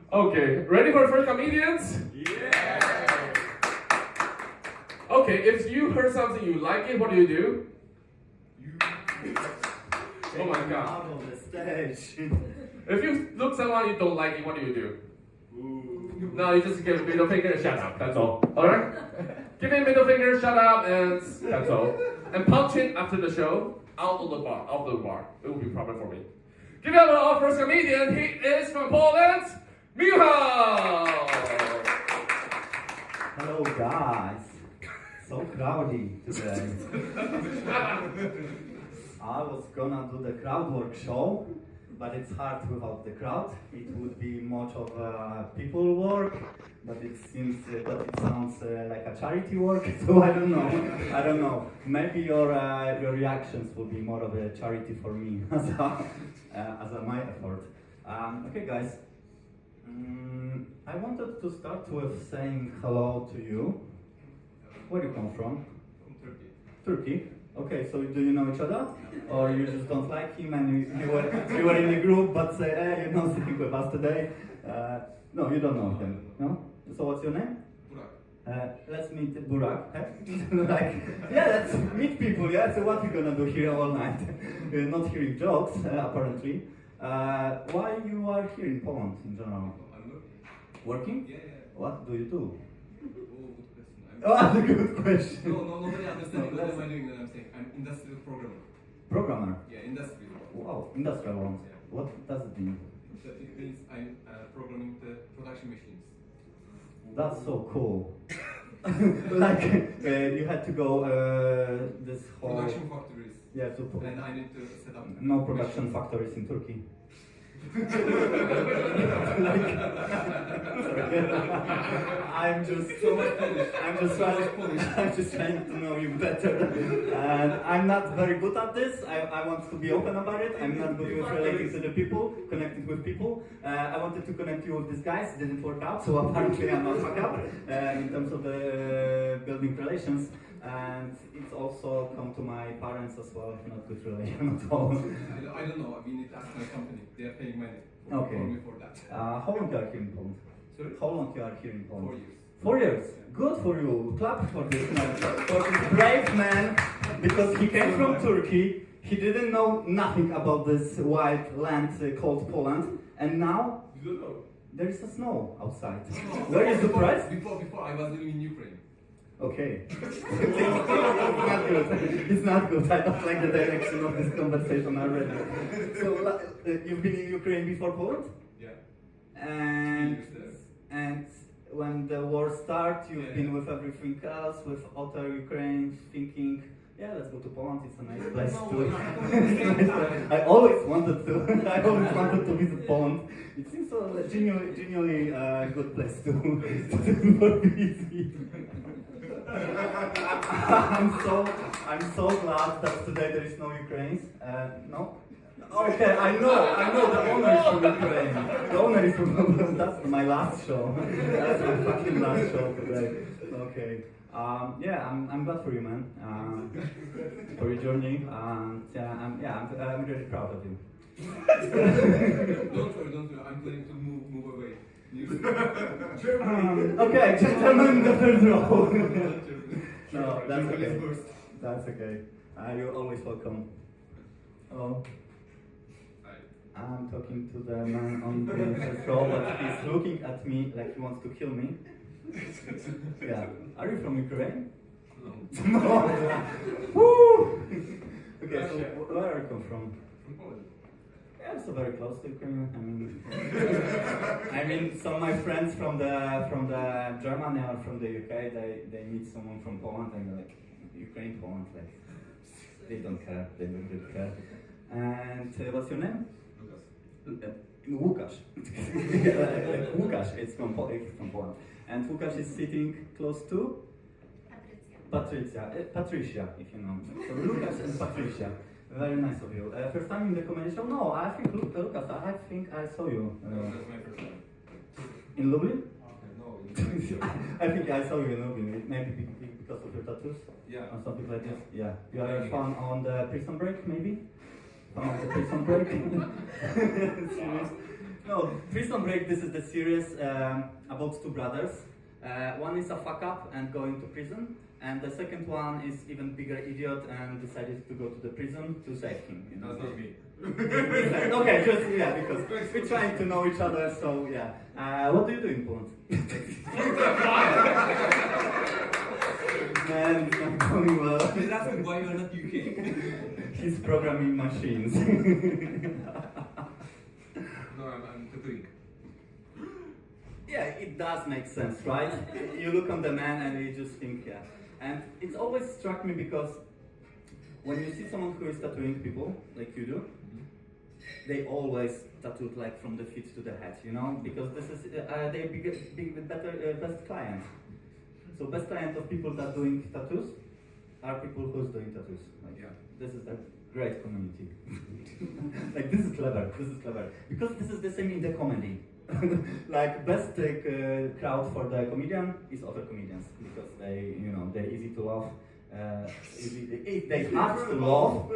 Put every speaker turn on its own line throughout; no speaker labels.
Okay, ready for the first comedians?
Yeah!
Okay, if you heard something you like it, what do you do? Oh my god.
Out of the stage.
If you look someone you don't like it, what do you do?
Ooh.
No, you just give a middle finger and shut up, that's all. Alright? Give me a middle finger, shut up, and that's all. And punch it after the show, out of the bar. It will be problem for me. Give it up to our first comedian, he is from Poland, Michał!
Hello guys. So crowdy today. I was gonna do the crowd work show, but it's hard without the crowd. It would be much of a people work, but it sounds like a charity work. So I don't know. Maybe your reactions will be more of a charity for me as my effort. Okay, guys. I wanted to start with saying hello to you. Where do you come from?
From Turkey.
Turkey. Okay, so do you know each other? Or you just don't like him and you were in a group but say, hey, you're not sitting with us today? No, you don't know him, no? So what's your name?
Burak.
Let's meet Burak. Let's meet people, yeah? So what we gonna do here all night? We're not hearing jokes, apparently. Why you are here in Poland in general?
I'm working.
Working?
Yeah.
What do you do?
Oh, good question.
Oh, good question.
No, nobody understands
No,
what
that's-
am I doing that I'm saying. I'm industrial programmer.
Programmer.
Yeah, industrial.
Wow, industrial ones.
Yeah.
What does it mean?
It means I'm programming the production machines.
That's so cool. You had to go this whole...
Production factories.
Yeah, so
And I need to set up.
no production factories in Turkey. I'm just
So much Polish.
I'm just trying to know you better. And I'm not very good at this. I want to be open about it. I'm not good with relating to the people, connecting with people. I wanted to connect you with these guys. It didn't work out, so apparently I'm not fuck up in terms of the building relations. And it's also come to my parents as well, not good relation at all.
I don't know. We need to ask my company. They are paying money
Okay.
for me for that.
How long you are here in Poland?
Sorry?
How long you are here in Poland?
4 years.
4 years. Good for you. Clap for this man. For this brave man, because he came from Turkey. He didn't know nothing about this white land called Poland, and now
You don't know.
there is a snow outside. Were you surprised?
Before I was living in Ukraine.
Okay. It's not good. It's not good. I don't like the direction of this conversation already. So you've been in Ukraine before Poland?
Yeah.
And when the war started, you've been with everything else, with other Ukrainians thinking, yeah, let's go to Poland. It's a nice place to. I always wanted to. I always wanted to visit Poland. It seems a genuinely good place to do for busy. I'm so glad that today there is no Ukrainians. No. Okay, I know the owner is from Ukraine. The owner is from that's my last show. That's my fucking last show today. Okay. Yeah, I'm glad for you, man. For your journey. I'm really proud of you.
Don't worry. I'm planning to move away.
Okay, gentlemen, the third row. No, that's
Germany
okay.
is first.
That's okay. You're always welcome. Oh.
Hi.
I'm talking to the man on the first row, but he's looking at me like he wants to kill me. Yeah. Are you from Ukraine?
No.
No. Woo! Okay, so where are you come from?
From Poland.
Yeah, so very close to Ukraine. I mean, some of my friends from the Germany or from the UK, they meet someone from Poland and they're like, Ukraine, Poland, like they don't care. They don't really care. And what's your name?
Lucas.
Łukasz. Łukasz, it's from Poland. And Łukasz is sitting close to? Patricia, if you know. So Łukasz and Patricia. Very nice of you. First time in the comedy show? No, I think Lucas, I think I saw you.
That's my first time.
In Lublin?
No.
I think I saw you in Lublin. Maybe because of your tattoos?
Yeah.
Or something like this? Yeah. You are a fan on the Prison Break, maybe? Fan of the Prison Break? Serious? No, Prison Break, this is the series about two brothers. One is a fuck up and going to prison, and the second one is even bigger idiot and decided to go to the prison to save him. You know?
That's not me.
Okay, just yeah, because we're trying to know each other, so yeah. What do you do in Poland? Man, it's not going well.
He's asking why you're not UK.
He's programming machines.
No, I'm tattooing.
Yeah, it does make sense, right? You look on the man and you just think, yeah. And it's always struck me because when you see someone who is tattooing people, like you do, they always tattooed like from the feet to the head, you know? Because this is, they best client. So best client of people that doing tattoos are people who's doing tattoos. Like,
Yeah.
this is a great community. Like this is clever, because this is the same in the comedy. Like best crowd for the comedian is other comedians because they, you know, they're easy to laugh. They hard to laugh,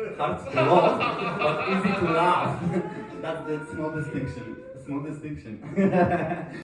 but easy to laugh. That's the small distinction.